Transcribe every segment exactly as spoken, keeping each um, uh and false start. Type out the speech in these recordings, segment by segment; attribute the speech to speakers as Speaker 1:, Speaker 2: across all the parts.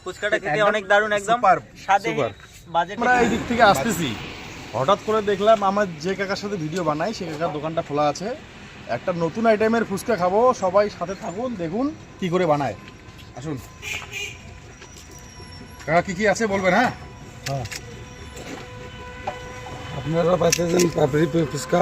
Speaker 1: ফুচকাটা খেতে অনেক দারুণ, একদম স্বাদে বাজেট।
Speaker 2: আমরা এই দিক থেকে আসতেছি, হঠাৎ করে দেখলাম আমার যে কাকার সাথে ভিডিও বানাই সে কাকার দোকানটা খোলা আছে, একটা নতুন আইটেমের ফুচকা খাবো। সবাই সাথে থাকুন, দেখুন কি করে বানায়। আসুন কাকা, কি কি আছে বলবেন? হ্যাঁ
Speaker 3: হ্যাঁ, আপনারা পাচ্ছেন পাপড়ি ফুচকা,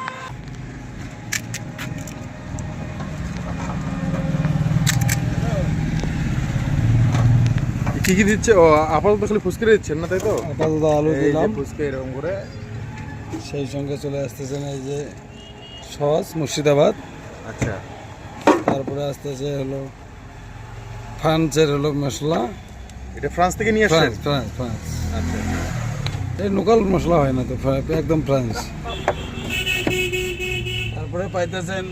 Speaker 2: কি কি দিচ্ছে? ও আপাতত খালি ফুচকা দিচ্ছেন না, তাই তো?
Speaker 3: আপাতত আলু দিলাম,
Speaker 2: ফুচকা এরকম করে।
Speaker 3: সেই সঙ্গে চলে আসতেছেন এই যে সস মুর্শিদাবাদ।
Speaker 2: আচ্ছা,
Speaker 3: তারপরে আসতেছে হলো ফ্রান্সের হলো মশলা,
Speaker 2: এটা ফ্রান্স থেকে নিয়ে আসছেন?
Speaker 3: ফ্রান্স ফ্রান্স ফ্রান্স
Speaker 2: আচ্ছা,
Speaker 3: এই লোকাল মশলা হয় না তো, একদম ফ্রান্স। তারপরে পাইতেছেন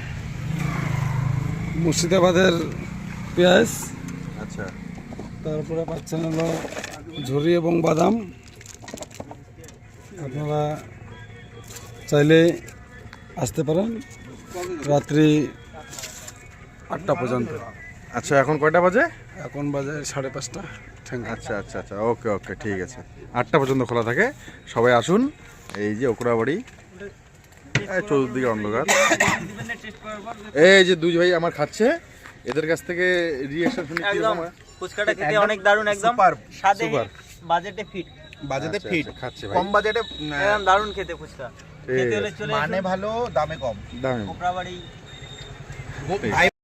Speaker 3: মুর্শিদাবাদের পেঁয়াজ।
Speaker 2: আচ্ছা,
Speaker 3: তারপরে পাচ্ছেন হলো ঝুরি এবং বাদাম। আপনারা চাইলে আসতে পারেন রাত্রি আটটা পর্যন্ত।
Speaker 2: আচ্ছা, এখন কয়টা বাজে?
Speaker 3: এখন বাজে সাড়ে পাঁচটা। Thank you.
Speaker 2: আচ্ছা আচ্ছা আচ্ছা, ওকে ওকে, ঠিক আছে। আটটা পর্যন্ত খোলা থাকে, সবাই আসুন। এই যে ওকরাবাড়ি, চতুর্দিকে অন্ধকার। এই যে দুই ভাই আমার খাচ্ছে, এদের কাছ থেকে রিঅ্যাকশন শুনি কি রকম।
Speaker 1: ফুচকাটা খেতে অনেক দারুণ, একদম স্বাদে বাজেটে ফিট।
Speaker 2: বাজেটে ফিট খাচ্ছে ভাই,
Speaker 4: কম বাজেটে
Speaker 1: একদম দারুণ খেতে ফুচকা। খেতে হলে চলে
Speaker 4: মানে ভালো, দামে কম।
Speaker 2: দামে
Speaker 1: কোকড়াবাড়ি।